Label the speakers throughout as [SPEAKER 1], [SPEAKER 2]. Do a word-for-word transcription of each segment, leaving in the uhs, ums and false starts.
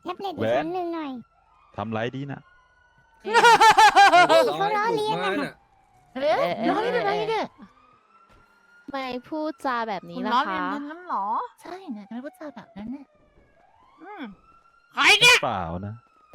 [SPEAKER 1] ท็บเล็ตอีกครั้งหนึ่งหน่อย
[SPEAKER 2] ทำไรดีนะ
[SPEAKER 1] เขาล้อเลียนนะ
[SPEAKER 3] เฮ้ยล้อเลียนอะไรเนี่ย
[SPEAKER 4] ไม่พูดจาแบบนี้
[SPEAKER 3] คุณ
[SPEAKER 4] ล่ะ
[SPEAKER 3] ล้อ
[SPEAKER 4] คะ
[SPEAKER 3] เลียนนั้นเหรอ ใช่เนี่ยทำไมพูดจาแบบนั้นเนี่ยอืม
[SPEAKER 5] ใครเนี่ย
[SPEAKER 2] เปล่านะ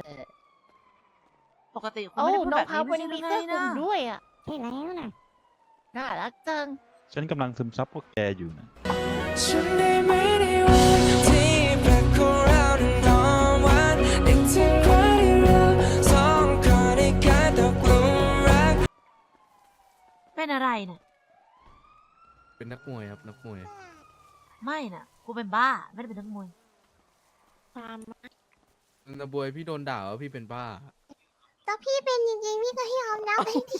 [SPEAKER 3] ปกติคุณ
[SPEAKER 4] โอ้
[SPEAKER 3] ไม่ได้พูด
[SPEAKER 4] น้อ
[SPEAKER 3] แบ
[SPEAKER 4] ง
[SPEAKER 3] บ
[SPEAKER 4] พาว
[SPEAKER 3] นี้
[SPEAKER 4] วัน
[SPEAKER 3] ไม่
[SPEAKER 4] นี้
[SPEAKER 3] ใช่
[SPEAKER 4] มี
[SPEAKER 3] หรือ
[SPEAKER 4] เสื้อกลุ่ม
[SPEAKER 3] ไงนะ
[SPEAKER 4] ด้วยอ่ะ
[SPEAKER 1] ใช่แล้วนะ
[SPEAKER 4] น่ารักจัง
[SPEAKER 2] ฉันกำลังซึมซับพวกแกอยู่นะ
[SPEAKER 6] ฉันได้ไม่ได้วันที่แปลกของเรานั้นหอมหวานนึกถึงวันที่เราสองคนได้กลายตกหลุมรัก
[SPEAKER 3] เป็นอะไรเนี่ย
[SPEAKER 5] เป็นนักมวยครับนักมวย
[SPEAKER 3] ไม่น่ะกูเป็นบ้าไม่ได้เป็นนักมวย
[SPEAKER 1] ความ
[SPEAKER 5] นาบวยพี่โดนด่าว่าพี่เป็นบ้า
[SPEAKER 1] แต่พี่เป็นจริงๆพี่ก็ให้ยอมรับไปที่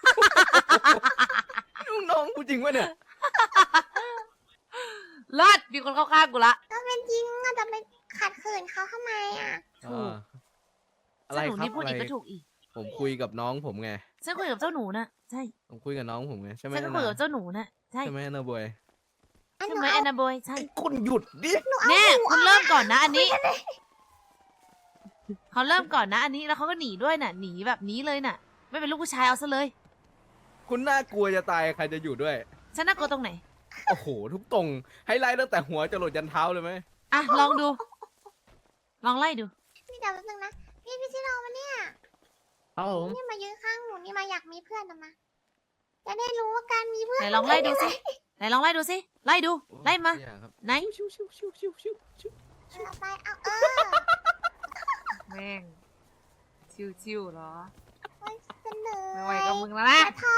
[SPEAKER 5] ลูกน้องกูจริงวะเนี่ย
[SPEAKER 3] เลิศมีคนเข้าข้างกูละ
[SPEAKER 1] ก็เป็นจริงอะแต่ไปขัดขืนเขาทำไมอ่ะ
[SPEAKER 3] ถูก
[SPEAKER 5] อ่าอะไร
[SPEAKER 3] เจ้าหนู
[SPEAKER 5] ครับ
[SPEAKER 3] นี่พูด
[SPEAKER 5] อะไร
[SPEAKER 3] อีกก็ถูกอีก
[SPEAKER 5] ผมคุยกับน้องผมไง
[SPEAKER 3] ฉันคุยกับเจ้าหนูน่ะใช่
[SPEAKER 5] ผมคุยกับน้องผมไงใช่ไหม
[SPEAKER 3] ฉันก็
[SPEAKER 5] นา
[SPEAKER 3] คุยกับเจ้าหนูน่ะใช่
[SPEAKER 5] ใช่ไหมนาบวย
[SPEAKER 1] อันห
[SPEAKER 3] ใช่
[SPEAKER 1] นู
[SPEAKER 3] ไหม
[SPEAKER 1] เอา
[SPEAKER 3] แอนนาบอยใช่
[SPEAKER 5] คุณหยุดดิ
[SPEAKER 3] แน่คุณเริ่มก่อนนะ อันนี้เขาเริ่มก่อนนะ อันนี้แล้วเขาก็หนีด้วยน่ะ หนีแบบนี้เลยน่ะ ไม่เป็นลูกผู้ชายเอาซะเลย
[SPEAKER 5] คุณน่ากลัวจะตายใครจะอยู่ด้วย
[SPEAKER 3] ฉันน่ากลัวตรงไหน
[SPEAKER 5] โอ้โหทุกตรงให้ไล่ตั้งแต่หัวจรดยันเท้าเลยไหม
[SPEAKER 3] อ่ะลองดู ลองไล่ดู
[SPEAKER 1] พี่เดี๋ยวแป๊บนึงนะพี่พี่ชิโร่มาเนี่ย
[SPEAKER 7] ครับผม
[SPEAKER 1] นี่มายืนข้างหนูนี่มาอยากมีเพื่อนนะมาจะได้รู้ว่าการมีเพื่อน
[SPEAKER 3] ไหนลองไล่ดูสิ ไหนลองไล่ดูสิ ไล่ดู ไล่มา
[SPEAKER 5] อย่าครับ
[SPEAKER 3] ไหน
[SPEAKER 5] ชิวชิวชิวชิวชิวชิว
[SPEAKER 1] เอาไปเอาเออ
[SPEAKER 3] แม่ง ชิวๆเหรอ
[SPEAKER 1] โอ๊ยเสนอ
[SPEAKER 3] ไม่ไหวกับมึงแล้วนะ
[SPEAKER 1] อย่าท้อ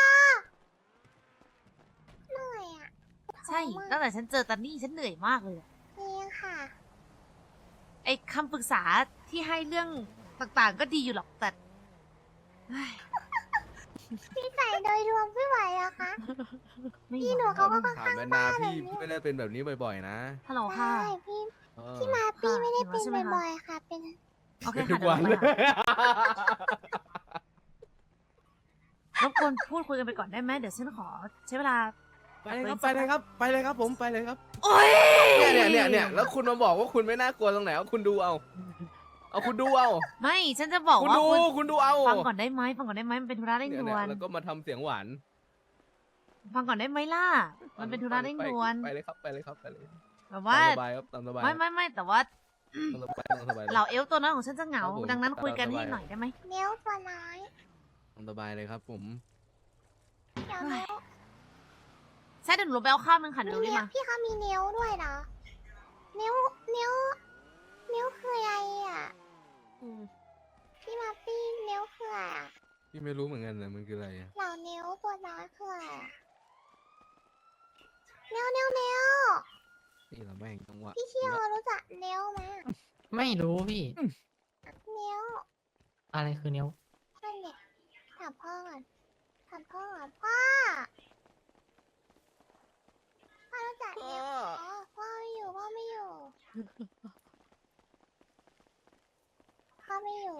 [SPEAKER 1] เหนื่อยอ่ะ
[SPEAKER 3] ใช่ ตั้งแต่ฉันเจอตันนี่ฉันเหนื่อยมากเลยอะ
[SPEAKER 1] จริงค่ะ
[SPEAKER 3] ไอ้คำปรึกษาที่ให้เรื่องต่างๆ ก็ดีอยู่หรอกแต่เฮ้ย
[SPEAKER 1] พี่ใส่โดยรวมไม่ไหวอะคะ
[SPEAKER 3] ไม่
[SPEAKER 1] พี่หนู
[SPEAKER 3] ไหว
[SPEAKER 1] เขาก็ค่อน
[SPEAKER 5] ถาม
[SPEAKER 1] ข้าง
[SPEAKER 5] แม่นา
[SPEAKER 1] บ้าแบบ
[SPEAKER 5] พี่
[SPEAKER 1] นี้
[SPEAKER 5] ไม่ได้เป็นแบบนี้บ่อยๆนะ
[SPEAKER 3] ฮัลโหล
[SPEAKER 1] ใช่
[SPEAKER 3] ค่ะ
[SPEAKER 1] พี่
[SPEAKER 5] เออ
[SPEAKER 1] พี่มาปีไม่ได้
[SPEAKER 3] ค่ะ
[SPEAKER 1] เป็น
[SPEAKER 3] ใช่ไหมคะ
[SPEAKER 1] บ่อยๆค่ะ เป็น
[SPEAKER 3] โอเค
[SPEAKER 5] ทุ
[SPEAKER 3] ค่ะ
[SPEAKER 5] กวัน
[SPEAKER 3] เดี๋
[SPEAKER 5] เลย
[SPEAKER 3] วยเราไปหารบกวนพูดคุยกันไปก่อนได้ไหมเดี๋ยวฉันขอใช้เวลา
[SPEAKER 5] ไปเลยครับไปเลยครับไปเลยครับผมไปเลยครับ
[SPEAKER 3] โอ้ย
[SPEAKER 5] เนี่ยเนี่ยเนี่ยเนี่ยแล้วคุณมาบอกว่าคุณไม่น่ากลัวตรงไหนเอาคุณดูเอา เอาคุณดูเอา
[SPEAKER 3] ไม่ฉันจะบอก
[SPEAKER 5] คุณ
[SPEAKER 3] ว่า
[SPEAKER 5] ดู
[SPEAKER 3] คุณ
[SPEAKER 5] คุณดูเอา
[SPEAKER 3] ฟังก่อนได้ไหมฟังก่อนได้ไหมมันเป็นธุระเร่ง
[SPEAKER 5] เนี่ย
[SPEAKER 3] ด่
[SPEAKER 5] เนี่
[SPEAKER 3] วย น
[SPEAKER 5] แล้วก็มาทำเสียงหวาน
[SPEAKER 3] ฟังก่อนได้ไหมล่ะ มันเป็นธุระเร่งด่วน
[SPEAKER 5] ไปเลยครับไปเลยครับไปเลย
[SPEAKER 3] แบบว่า
[SPEAKER 5] ตามสบายครับตามสบาย
[SPEAKER 3] ไม่ไม่ไม่แต่ว่า
[SPEAKER 5] ตามสบายตามสบาย
[SPEAKER 3] เหล่าเอลฟ์ตัวน้อยของฉันจะเหงา
[SPEAKER 5] ครับผม
[SPEAKER 3] ดังนั้นคุยกัน
[SPEAKER 5] ตามสบาย
[SPEAKER 3] ให้หน่อยได้ไหม
[SPEAKER 1] เนี้ยวตัวน้อย
[SPEAKER 5] ตามสบายเลยครับผม
[SPEAKER 1] เดี๋ยวเนี้ยว
[SPEAKER 3] ใช่เดี๋ยวหนูลงไปเอาข้าวนึงค่ะ
[SPEAKER 1] มี
[SPEAKER 3] เดี๋ยวรีบ
[SPEAKER 1] เนี้ยว
[SPEAKER 3] มา
[SPEAKER 1] พี่เขามีเนี้ยวด้วยเหรอเนี้ยวเนี้ยวเนี้ยวคืออะไรอ่ะพี่มาปี้เนี้ยวคืออะไรอ่ะ
[SPEAKER 5] พี่ไม่รู้เหมือนกันนะมันคืออะไรอะ
[SPEAKER 1] เหล่าเนี้ยวตัวน้อยคืออะไรอะเนี้ยวเนี้ยวเนี้ยว
[SPEAKER 5] นี่เราแม่งจังหวะ
[SPEAKER 1] พี่เชี่ยวรู้จักเนี้ยวไหม
[SPEAKER 7] ไม่รู้พี่
[SPEAKER 1] เนี้ยว
[SPEAKER 7] อะไรคือเนี้ยว
[SPEAKER 1] นั่นเนี่ยถามพ่อก่อนถามพ่อก่อนพ่อพ่อรู้จักเนี้ยวอ๋อพ่อไม่อยู่พ่อไม่อยู่พ่อไม่อยู่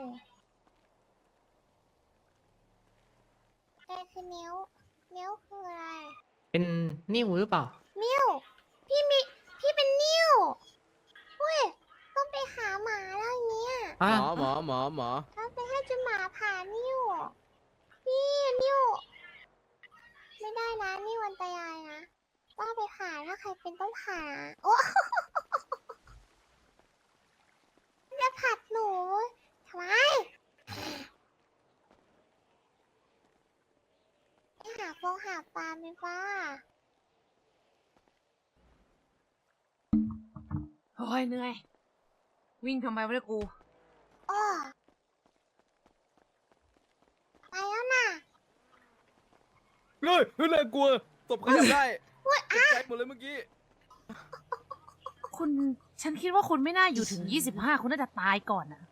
[SPEAKER 1] แต่คือเนี้ยวเนี้ยวคืออะไร
[SPEAKER 7] เป็นนิ้วหรือเปล่า
[SPEAKER 1] นิ้วพี่มีพี่เป็นนิ้วเว้ยต้องไปหาหมาแล้วอย่างเงี้ย
[SPEAKER 5] ห
[SPEAKER 7] อ่ะ
[SPEAKER 5] มอหมอหมอหมอ
[SPEAKER 1] ต้องไปให้จุหมาผ่านิ้วพี่นิ้วไม่ได้นะนิ้วอันตรายนะต้องไปผ่าถ้าใครเป็นต้องผ่าโอ้ จะผัดหนูทำไมไปหาฟงหาปลาไหมป้า
[SPEAKER 3] โอ้ยเหนื่อย วิ่งทำไมวะเนี่ยกู
[SPEAKER 1] อ้อไปแล้วน่ะ
[SPEAKER 5] เฮ้ยเฮ้ยน่ากลัวตบเขาได้ตกใจหมดเลยเมื่อกี้
[SPEAKER 3] คุณฉันคิดว่าคุณไม่น่าอยู่ถึงยี่สิบห้าคุณน่าจะตายก่อนนะ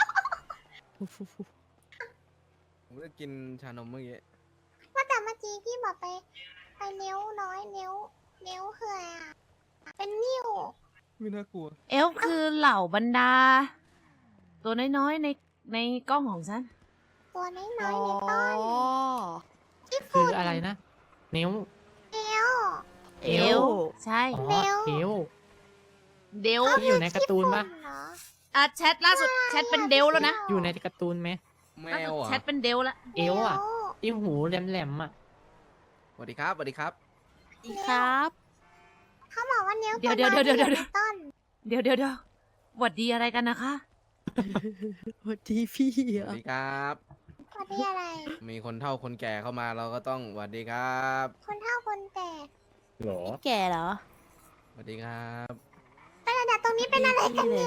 [SPEAKER 5] ผมจะกินชานมเมื่อกี้
[SPEAKER 1] ว่าแต่เมื่อกี้พี่บอกไปไปนิ้วน้อยนิ้วนิ้วคืออะไรอ่ะเป็นนิ้ว
[SPEAKER 5] ไม่น่ากลัว
[SPEAKER 3] เอลฟ์คือเหล่าบรรดา ตัวน้อยๆในในกล้องของฉัน
[SPEAKER 1] ตัวน้อยๆในต้นที่
[SPEAKER 7] คื
[SPEAKER 1] ฝุ่
[SPEAKER 7] อน อะไรนะ นิ้ว
[SPEAKER 1] เอว
[SPEAKER 3] เอลฟ์ใช่
[SPEAKER 7] อ๋อ
[SPEAKER 1] นิ้ว
[SPEAKER 7] นิ้ว
[SPEAKER 3] เดล
[SPEAKER 7] ที่อยู่ในการ์ตูนปะ
[SPEAKER 1] เหรอ
[SPEAKER 3] อ่ะแชทล่าสุดแชทเป็นเดลแล้วนะ
[SPEAKER 7] อยู่ในการ์ตูนไหม
[SPEAKER 5] แม
[SPEAKER 3] ล่าสุ
[SPEAKER 5] ว
[SPEAKER 3] ด
[SPEAKER 5] อ่ะ
[SPEAKER 3] แชทเป็นเดลแล้ว
[SPEAKER 7] เอวอ่ะที่หูแหลมๆอ่ะ
[SPEAKER 5] สวัสดีครับสวัสดีครับ
[SPEAKER 4] ครับ
[SPEAKER 1] เขาบอกว่าเนี้ย
[SPEAKER 3] เดี๋ยวเดี๋ยวเดี๋ยวเดี๋ยวเดี๋ยว
[SPEAKER 1] ต้น
[SPEAKER 3] เดี๋ยวเดี๋ยวเดี๋ยวหวัดดีอะไรกันนะคะ
[SPEAKER 8] สวัสดีพี่
[SPEAKER 5] สวัสดีครับ
[SPEAKER 1] สวัสดีอะไร
[SPEAKER 5] มีคนเฒ่าคนแก่เข้ามาเราก็ต้องสวัสดีครับ
[SPEAKER 1] คนเฒ่าคนแก่
[SPEAKER 5] หรอ
[SPEAKER 8] แก่เหรอ
[SPEAKER 5] สวัสดีครับ
[SPEAKER 1] แต่แต่ตรงนี้เป็นอะไรกันเนี่ย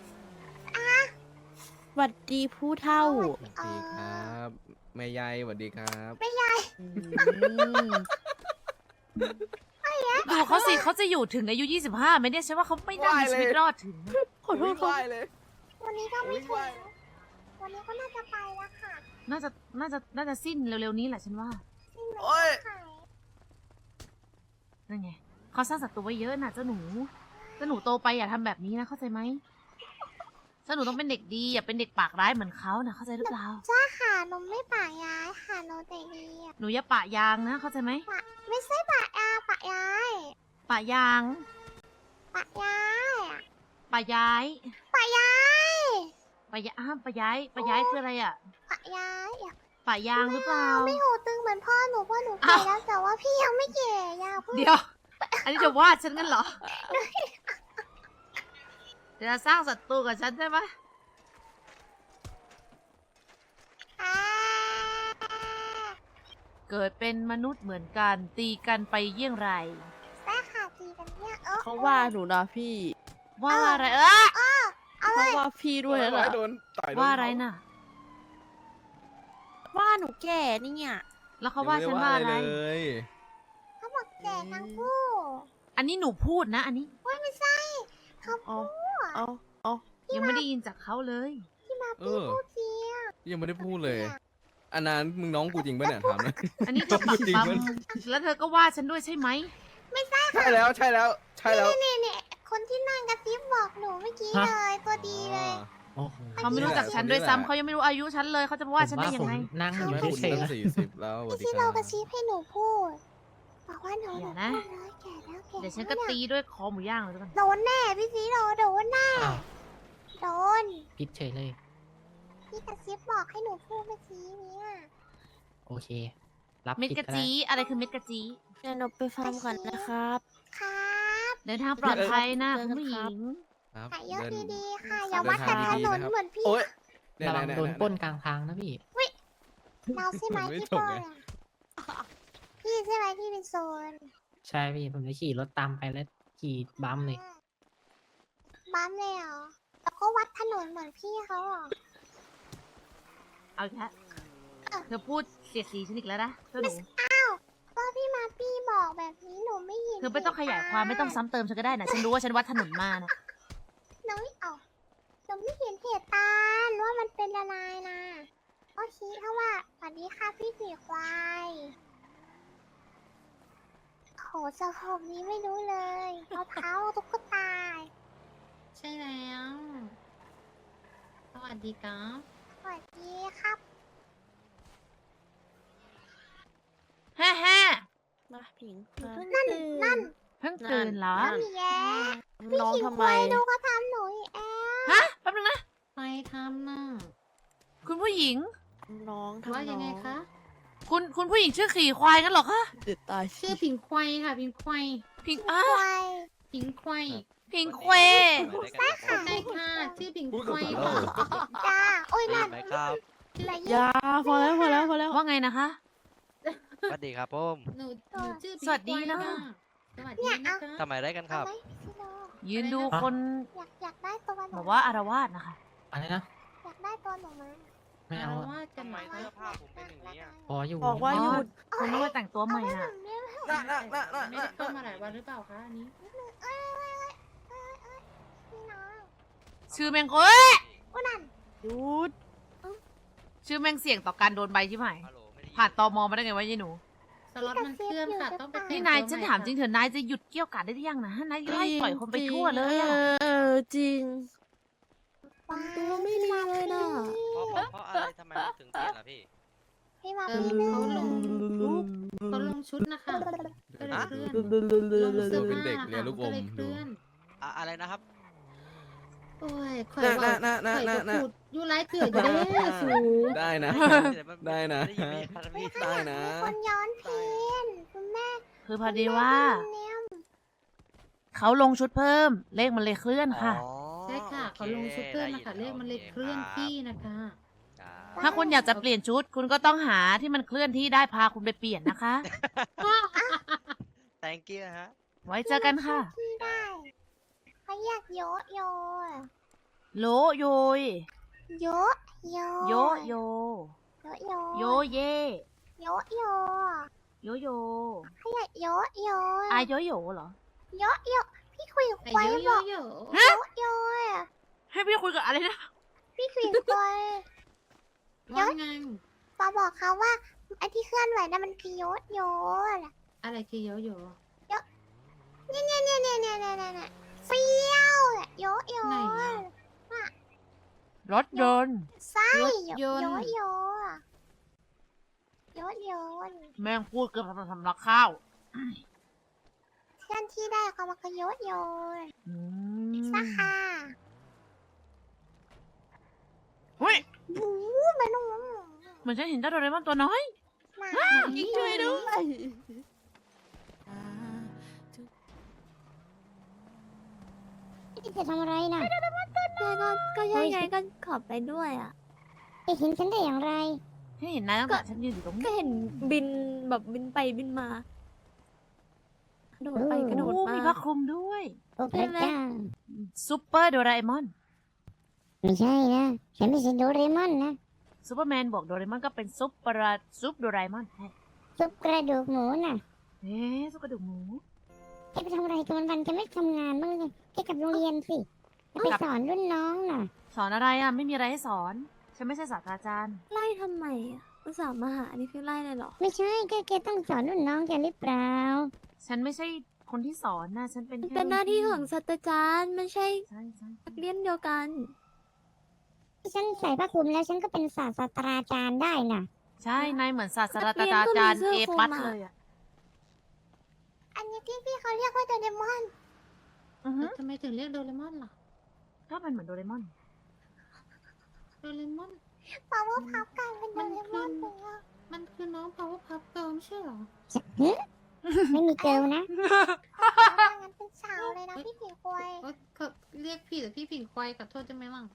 [SPEAKER 8] สวัสดีผู้เท่า
[SPEAKER 5] สวัสดีครับแม่ยายสวัสดีครับ
[SPEAKER 8] อืม
[SPEAKER 3] ดูเขาสิเขาจะอยู่ถึงอายุยี่สิบห้าไหมเนี่ยฉันว่าเขาไม่น่ามีชีวิตรอดถึง
[SPEAKER 8] ขอโทษ
[SPEAKER 5] วิ่ง
[SPEAKER 8] ครั
[SPEAKER 5] ไหว
[SPEAKER 8] บ
[SPEAKER 5] เลย
[SPEAKER 1] วันนี้ก็ไม่
[SPEAKER 5] วิ่ง
[SPEAKER 1] ถึ
[SPEAKER 5] ไหว
[SPEAKER 1] งวันนี้ก็น่าจะไปแล้วค่ะ
[SPEAKER 3] น่าจะน่าจะน่าจะสิ้นเร็วๆนี้แหละฉันว่า
[SPEAKER 1] สิ้นเลย
[SPEAKER 5] โอ้ย
[SPEAKER 1] ขาย
[SPEAKER 3] นั่นไงเขาสร้างศัตรูไว้เยอะนะเจ้าหนูเจ้าหนูโตไปอย่าทำแบบนี้นะเข้าใจไหมเจ้าหนูต้องเป็นเด็กดีอย่าเป็นเด็กปากร้ายเหมือนเขานะเข้าใจหรือเปล่า
[SPEAKER 1] จ้าค่ะหนูไม่ปะย้ายค่ะหนูแต่ดีอะ
[SPEAKER 3] หนูอย่าปะยางนะเข้าใจไหม
[SPEAKER 1] ปะไม่ใช่ปะยาปะย้าย
[SPEAKER 3] ปะยาง
[SPEAKER 1] ปะย้ายอะ
[SPEAKER 3] ปะย้าย
[SPEAKER 1] ปะย้าย
[SPEAKER 3] ปะยาอ้าวปะย้ายปะย้ายคืออะไรอ่ะ
[SPEAKER 1] ปะย้ายอะ
[SPEAKER 3] ปะยางหรือเปล่า
[SPEAKER 1] ไม่หูตึงเหมือนพ่อหนูพ่อหนู
[SPEAKER 3] อ้า
[SPEAKER 1] แก่
[SPEAKER 3] ว
[SPEAKER 1] แล้วแต่ว่าพี่ยังไม่แก่ยาเพิ่ง
[SPEAKER 3] เดี๋ยว อันนี้จะว่าฉันกันเหรอจะสร้างศัตรูกับฉันใช่ไหม
[SPEAKER 1] อ่า
[SPEAKER 3] เกิดเป็นมนุษย์เหมือนกัน ตีกันไปเยี่ยงไร
[SPEAKER 1] แม่ค่ะตีกันเนี่ยเออ
[SPEAKER 8] เขาว่าหนูนะพี่
[SPEAKER 3] ว่าว่าอะไรเออ
[SPEAKER 1] เอาเล
[SPEAKER 8] เขา
[SPEAKER 1] ย
[SPEAKER 8] ว่าพี่ด้วยนะ
[SPEAKER 5] โอ้โดนต่อยโดน
[SPEAKER 3] ว่าอะไรน่ะ
[SPEAKER 8] ว่าหนูแก่นี่เนี่ย
[SPEAKER 3] แล้วเขาว่าฉันว่าอะไร
[SPEAKER 5] ยังม่ด้เลย
[SPEAKER 1] เขาบอกแก่ทั้งคู่
[SPEAKER 3] อันนี้หนูพูดนะ อันนี้
[SPEAKER 1] ว่าไม่ใช่เขา
[SPEAKER 8] เอา
[SPEAKER 1] พูด
[SPEAKER 8] เอาเอา
[SPEAKER 3] ยังไม่ได้ยินจากเขาเลย
[SPEAKER 1] ที่มา
[SPEAKER 5] เอ
[SPEAKER 1] พี่
[SPEAKER 5] อ
[SPEAKER 1] พูดเสีย
[SPEAKER 5] ยังไม่ได้พูดเลย อันนั้นมึงน้องกูจริงปะเนี่ยถามนะ
[SPEAKER 3] อันนี้จะปัก
[SPEAKER 5] จริง
[SPEAKER 3] ปั๊ม
[SPEAKER 5] มัน
[SPEAKER 3] แล้วเธอก็ว่าฉันด้วยใช่ไหม
[SPEAKER 5] ใช่แล้วใช่แล้วใช่แล้ว
[SPEAKER 1] นี่เนี่ยคนที่นั่งกระซิบบอกหนูเมื่อกี้
[SPEAKER 7] ฮะ
[SPEAKER 1] เลยตัวดีเลย
[SPEAKER 7] โอ้โห
[SPEAKER 3] เขาไม่รู้จักฉันด้วยซ้ำเขายังไม่รู้อายุฉันเลยเขาจะมาว่าฉันได้ยังไง
[SPEAKER 7] ผมว่าผมนั่งอ
[SPEAKER 5] เห็น
[SPEAKER 7] ยู่
[SPEAKER 5] ไหมคุณ
[SPEAKER 7] เฉย
[SPEAKER 5] ตั้
[SPEAKER 7] ๆ
[SPEAKER 5] ง
[SPEAKER 7] นะ
[SPEAKER 5] สี่สิบแล้วสวัส
[SPEAKER 1] ไม่
[SPEAKER 5] ดี
[SPEAKER 1] ใช่
[SPEAKER 5] ค
[SPEAKER 1] เรา
[SPEAKER 5] รับ
[SPEAKER 1] กระซิบให้หนูพูดบอกว่าหนู
[SPEAKER 3] เดี๋ยว
[SPEAKER 1] พู
[SPEAKER 3] นะ
[SPEAKER 1] ดเลยแก่แล้วแก่
[SPEAKER 3] เดี๋ยวฉัน
[SPEAKER 1] แล้
[SPEAKER 3] ก็
[SPEAKER 1] ว
[SPEAKER 3] ตีด้วยคอหมูย่างเลยแล้วกัน
[SPEAKER 1] โดนแน่พี่ซีโดนโดนแน่
[SPEAKER 7] อ้าว
[SPEAKER 1] โดน
[SPEAKER 7] พิดเฉยเลย
[SPEAKER 1] พี่กระซิบบอกให้หนูพูดเมื่อกี้เนี่ย
[SPEAKER 7] โอเค รับ
[SPEAKER 3] เม็ด
[SPEAKER 7] ผิด
[SPEAKER 3] กระ
[SPEAKER 7] ก็ได้
[SPEAKER 3] จีอะไรคือเม็ดกระจี
[SPEAKER 8] เดี๋ยวหนูไปฟาร์มก่อนนะครับ
[SPEAKER 1] ครับ
[SPEAKER 3] เดินทางปลอดภัยนะ
[SPEAKER 8] เจอ
[SPEAKER 3] คุ
[SPEAKER 8] กั
[SPEAKER 3] ณ
[SPEAKER 8] น
[SPEAKER 3] ผู้ห
[SPEAKER 8] ครั
[SPEAKER 3] ญิ
[SPEAKER 8] บ
[SPEAKER 3] ง
[SPEAKER 5] ครับ
[SPEAKER 1] ขายเยอะ
[SPEAKER 5] เดิน
[SPEAKER 1] ดีๆค่ะ
[SPEAKER 5] ครับ
[SPEAKER 1] อย่าวัดแต่ถ
[SPEAKER 5] เดินทาง
[SPEAKER 1] น
[SPEAKER 5] ดี
[SPEAKER 1] น
[SPEAKER 5] ๆนะครับ
[SPEAKER 1] เหมือนพี่
[SPEAKER 5] โอ๊ยเย
[SPEAKER 7] ระวัง
[SPEAKER 5] เย
[SPEAKER 7] โดน
[SPEAKER 5] เย
[SPEAKER 7] ปล้นกลางทางนะพี่
[SPEAKER 1] เราใช่ไหม
[SPEAKER 5] ไม่
[SPEAKER 1] ที่
[SPEAKER 5] จ
[SPEAKER 1] โป
[SPEAKER 5] บ
[SPEAKER 1] น
[SPEAKER 5] ไง
[SPEAKER 1] อะพี่ใช่ไหมที่เป็นโซน
[SPEAKER 7] ใช่พี่ ผมจะขี่รถตามไปแล้วขี่บัมเลย
[SPEAKER 1] บัมเลยเหรอแล้วก็วัดถนนเหมือนพี่เขาเหรอ
[SPEAKER 3] เอาอีกแล้วเธอพูดเสียดสีฉันอีกแล้วนะเจ้าหนู
[SPEAKER 1] ก็พี่มาพี่บอกแบบนี้หนูไม่เห็น
[SPEAKER 3] เธอไม่ต้องขยายความไม่ต้องซ้ำเติมฉันก็ได้นะฉันรู้ว่าฉันวัดถนนมานะ
[SPEAKER 1] หนูไม่เอาหนูไม่เห็นเหตุการณ์ว่ามันเป็นอะไรนะก็ชี้เขาว่าสวัสดีค่ะพี่สีควายโหสะโพกนี้ไม่รู้เลยเอาเท้าตุ๊กตา
[SPEAKER 9] ใช่แล้ว สวัสดีครับ
[SPEAKER 1] สวัสดีครับ
[SPEAKER 3] แฮ่แฮ่
[SPEAKER 8] มาผิง
[SPEAKER 1] นั่นนั่น
[SPEAKER 3] เพิ่งตื่นเหรอ
[SPEAKER 1] นั่นแย่พี่
[SPEAKER 8] น้อง
[SPEAKER 1] ขิง
[SPEAKER 8] ทำ
[SPEAKER 1] ค
[SPEAKER 8] ไม
[SPEAKER 1] วายดูเขาทำหนูอีกแอ
[SPEAKER 3] ฮะแป๊บนึงนะ
[SPEAKER 9] ใครทำน่ะ
[SPEAKER 3] คุณผู้หญิง
[SPEAKER 8] น้องทำ
[SPEAKER 9] ว่ายังไง
[SPEAKER 8] น้อ
[SPEAKER 9] คะ
[SPEAKER 3] คุณคุณผู้หญิงชื่อขี่ควายงั้นเหรอคะ
[SPEAKER 8] เดือดตาย
[SPEAKER 9] ชื่อผิงควายค่ะ ผิงควาย
[SPEAKER 3] พิง
[SPEAKER 1] ค
[SPEAKER 3] อ้าว
[SPEAKER 1] าย
[SPEAKER 9] ผิงควาย
[SPEAKER 3] พิงเคว
[SPEAKER 1] ใช่ค่ะ
[SPEAKER 9] ใช่ค่ะ ชื่อผิง
[SPEAKER 5] พูด
[SPEAKER 9] ค
[SPEAKER 5] กับ
[SPEAKER 9] วาย
[SPEAKER 5] ผม
[SPEAKER 9] ค่ะ
[SPEAKER 1] จ้าโอ้ยนั่น
[SPEAKER 10] ไหมครับ
[SPEAKER 1] อะไร
[SPEAKER 8] อ
[SPEAKER 1] เงี้ย
[SPEAKER 8] ยาพอแล้วพอแล้วพอแล้ว
[SPEAKER 3] ว่าไงนะคะ
[SPEAKER 10] สวัสดีครับผม
[SPEAKER 9] หนูหนูชื่อผิง
[SPEAKER 3] สวัสดีนะ
[SPEAKER 9] ควายสวัสดีนะคะ
[SPEAKER 10] ทำไมได้กันค
[SPEAKER 1] เอา
[SPEAKER 10] รับ
[SPEAKER 1] ไหมพี่โล
[SPEAKER 3] ยืนดูคน
[SPEAKER 1] อยากอยากได้ตัวหนู
[SPEAKER 3] แบบว่าอารวาสนะคะ
[SPEAKER 7] อะไรนะ
[SPEAKER 1] อยากได้ตัวหนูมา
[SPEAKER 7] ไม่เอา
[SPEAKER 9] อ
[SPEAKER 7] อะ
[SPEAKER 9] รวาสกันไหม
[SPEAKER 10] ทำไมเสื้อผ้าผมเป็นอย่างนี้อะ
[SPEAKER 7] พออยู่
[SPEAKER 8] บอกว่า
[SPEAKER 3] อ๋
[SPEAKER 8] ห
[SPEAKER 3] อ
[SPEAKER 8] ยุด
[SPEAKER 3] คุณต้องมาแต่งตัวใหม่
[SPEAKER 1] เอา
[SPEAKER 3] น่ะ
[SPEAKER 1] ไว้แบบนี้
[SPEAKER 5] น่ะน่ะน่ะน่ะ
[SPEAKER 9] ไม่ได้เข้ามาหลายวันหรือเปล่าคะอันนี้
[SPEAKER 1] เอ้ยเอ้ยเอ้ยเอ้ยพี่น้อง
[SPEAKER 3] ชื่อแมงเอ้ย
[SPEAKER 1] อุ้ยนั่น
[SPEAKER 8] หยุด
[SPEAKER 3] ชื่อแมงเสี่ยงต่อการโดนใบใช่ไหม
[SPEAKER 10] ฮัลโหลไม่ได้ยิน
[SPEAKER 3] ผ่านตมมาได้ไงวะยายหนู
[SPEAKER 9] สล็อตมันเคลื่อนค่ะ ต้องไปแต่ง
[SPEAKER 3] นี่นาย
[SPEAKER 9] ตัว
[SPEAKER 3] ฉัน
[SPEAKER 9] ให
[SPEAKER 3] ถามจริงเถอะนายจะหยุดเกี่ยวกาดได้หรือยังนะนายไล่ปล่อยคนไปทั่วเลยอะ
[SPEAKER 8] เออเออจริง
[SPEAKER 1] ว้า
[SPEAKER 8] ตัวไม่ดีเลยน่ะ
[SPEAKER 10] เพราะเพราะเพราะอะไรทำไมมันถึงเปลี่ยนล่ะพี่
[SPEAKER 1] พี่มา
[SPEAKER 9] เอ
[SPEAKER 1] พี่
[SPEAKER 9] อ
[SPEAKER 1] ไม่
[SPEAKER 9] เขาลง
[SPEAKER 8] ลุง
[SPEAKER 9] เขาลงชุดนะคะก็เลยเคลื่อน
[SPEAKER 8] ลุงลุงลุง
[SPEAKER 9] ลง
[SPEAKER 8] ลุ
[SPEAKER 9] เสื้อง ผ้า
[SPEAKER 5] เป็นเด็กเรียนลูกอม
[SPEAKER 9] ก็เลยเค
[SPEAKER 5] ดู
[SPEAKER 9] ลื่อน
[SPEAKER 10] อะอะไรนะครับ
[SPEAKER 9] ก็โอ้ยข่อย
[SPEAKER 5] น่ะ
[SPEAKER 9] ว่า
[SPEAKER 5] น่ะน่ะ
[SPEAKER 9] ข่อย
[SPEAKER 5] น่ะ
[SPEAKER 9] ก็
[SPEAKER 5] น่ะ
[SPEAKER 9] พูดอยู่หลายเถื่ออยู่เด้อสู
[SPEAKER 5] ได้นะ ได้นะ
[SPEAKER 10] ได้ยินไหมครับพี่
[SPEAKER 5] ได้นะ
[SPEAKER 1] มีคนย้อนเพลงคุณแม่
[SPEAKER 3] คือพอดีว่า
[SPEAKER 1] คุณแม่
[SPEAKER 3] เขาลงชุดเพิ่ม เลขมันเลยเคลื่อนค่ะ
[SPEAKER 10] อ๋อ
[SPEAKER 9] ใช่ค่ะ
[SPEAKER 10] โอ
[SPEAKER 9] เขาลงชุดเพิ่มนะคะ
[SPEAKER 10] ได้
[SPEAKER 9] เล
[SPEAKER 10] ยิ
[SPEAKER 9] ขมันเลย
[SPEAKER 10] โ
[SPEAKER 9] เคลื่อนที่นะคะ
[SPEAKER 10] ครับ
[SPEAKER 3] ถ้าคุณอยากจะเปลี่ยนชุด คุณก็ต้องหาที่มันเคลื่อนที่ได้พาคุณไปเปลี่ยนนะคะ
[SPEAKER 10] thank you ฮะ
[SPEAKER 3] ไว้เจอกันค่ะ
[SPEAKER 1] ที่ได้เขาอยากโยะโย
[SPEAKER 3] โลโยย
[SPEAKER 1] โยะโย
[SPEAKER 3] โยโย
[SPEAKER 1] โยะโย
[SPEAKER 3] โยเย
[SPEAKER 1] โยะโย
[SPEAKER 3] โยโย
[SPEAKER 1] เขาอยากโยะโย
[SPEAKER 3] อาโยโยเหรอ
[SPEAKER 1] โยะโยพี่คุยกับ
[SPEAKER 9] ไอ้
[SPEAKER 1] ควาย
[SPEAKER 9] โย
[SPEAKER 1] บ
[SPEAKER 9] โย
[SPEAKER 1] อก
[SPEAKER 9] โย
[SPEAKER 1] โยะโยอะ
[SPEAKER 3] ให้พี่คุยกับอะไรนะ
[SPEAKER 1] พี่คุยกับควาย
[SPEAKER 9] ว่าไง
[SPEAKER 1] ปาบอกเขาว่าไอ้ที่เคลื่อนไหวนั่นมันคือโยะโยอะ
[SPEAKER 9] อะไรคือโยโย
[SPEAKER 1] เนี่ยเนี่ยเนี่ยเนี่ยเนี่ยเนี่ยเนี่ยเฟี้ยวอะโยะโย
[SPEAKER 9] ไหน
[SPEAKER 1] อะ
[SPEAKER 9] อะ
[SPEAKER 3] รถยนต์
[SPEAKER 1] ใช่
[SPEAKER 9] รถยนต์
[SPEAKER 1] โยะโยอะโยะโยน
[SPEAKER 3] แม่งพูดเกือบทำรักข้าว
[SPEAKER 1] เคลื่อนที่ได้เขามาก็โยะโยน
[SPEAKER 3] อื
[SPEAKER 1] สัก
[SPEAKER 3] ม
[SPEAKER 1] ค่ะ
[SPEAKER 3] เฮ้ย
[SPEAKER 1] บู๊มันนุ่ม
[SPEAKER 3] เหมือนฉันเห็นเจ้าโดเรมอนตัวน้อย
[SPEAKER 1] หนา
[SPEAKER 8] อีกช่วยด้วย
[SPEAKER 1] จะทำอะไรนะ
[SPEAKER 8] ก็ก็ก็ใช่ไงก็ขอไปด้วยอ่ะ
[SPEAKER 1] จะเห็นฉันได้อย่างไร
[SPEAKER 3] ฉันเห็นนายตั้งแต่ฉันยืนอยู่ตรง
[SPEAKER 8] ก็
[SPEAKER 3] นี้
[SPEAKER 8] เห็นบินแบบบินไปบินมากระโดดไปกระโดด
[SPEAKER 3] โอ้
[SPEAKER 8] มา
[SPEAKER 3] มีผ้าคลุมด้วย
[SPEAKER 1] โอ้พระเจ้า
[SPEAKER 3] ซูเปอร์โดราเอมอน
[SPEAKER 1] ไม่ใช่นะ ฉันไม่ใช่โดเรมอนนะ
[SPEAKER 3] ซูเปอร์แมนบอกโดเรมอนก็เป็นซุปเปอร์ซุปโดราเอมอนใช่
[SPEAKER 1] ซุปกระดูกหมูน่ะ
[SPEAKER 3] เอ๊ะซุปกระดูกหมู
[SPEAKER 1] แกไปทำอะไรตอนวันแกไม่ทำงานบ้างเลยแกกลับโรงเรียนสิจะไปสอนรุ่นน้องน่ะ
[SPEAKER 3] สอนอะไรอ่ะ ไม่มีอะไรให้สอน ฉันไม่ใช่ศาสตราจารย์
[SPEAKER 8] ไล่ทำไมอ่ะอุตส่าห์มาหานี่คือไล่เลยเหรอ
[SPEAKER 1] ไม่ใช่แกแกต้องสอนรุ่นน้องแกหรือเปล่า
[SPEAKER 3] ฉันไม่ใช่คนที่สอนนะฉันเป็น
[SPEAKER 8] มัน
[SPEAKER 3] แค่
[SPEAKER 8] เป็นหน้าที่ของ
[SPEAKER 3] รุ่
[SPEAKER 8] ศาสตราจารย์ไม่ใช่
[SPEAKER 3] ใช่ใช่
[SPEAKER 8] นักเรียนเดียวกัน
[SPEAKER 1] ฉันใส่ผ้าคลุมแล้วฉันก็เป็นศาสตราจารย์ได้น่ะ
[SPEAKER 3] ใช่นายเหมือนศาสตรา
[SPEAKER 8] นักเรียนก็มี
[SPEAKER 3] จารย์
[SPEAKER 8] เสื้อ
[SPEAKER 3] เอ
[SPEAKER 8] คลุม
[SPEAKER 3] ปัส
[SPEAKER 8] อะ
[SPEAKER 3] เลยอ่ะ
[SPEAKER 1] อันนี้ที่พี่เขาเรียกว่าโดเรมอน
[SPEAKER 3] อือฮึ
[SPEAKER 9] ทำไมถึงเรียกโดเรมอนล่ะ
[SPEAKER 3] ก็เป็นเหมือนโดเรมอน
[SPEAKER 9] โดเรมอน
[SPEAKER 1] เพราะว่าพับกลายเป็นโด
[SPEAKER 9] มัน
[SPEAKER 1] เรม
[SPEAKER 9] คือ
[SPEAKER 1] อนไปแล้ว
[SPEAKER 9] มันคือน้อง power puff girl ไม่ใช่เหรอ
[SPEAKER 1] ไม่มีเกลนะงั้นเป็นสาวเลยนะพี่ผีควย
[SPEAKER 9] เอ้ยเขาเรียกพี่แต่พี่ผิงควายขอโทษได้ไหมล่ะ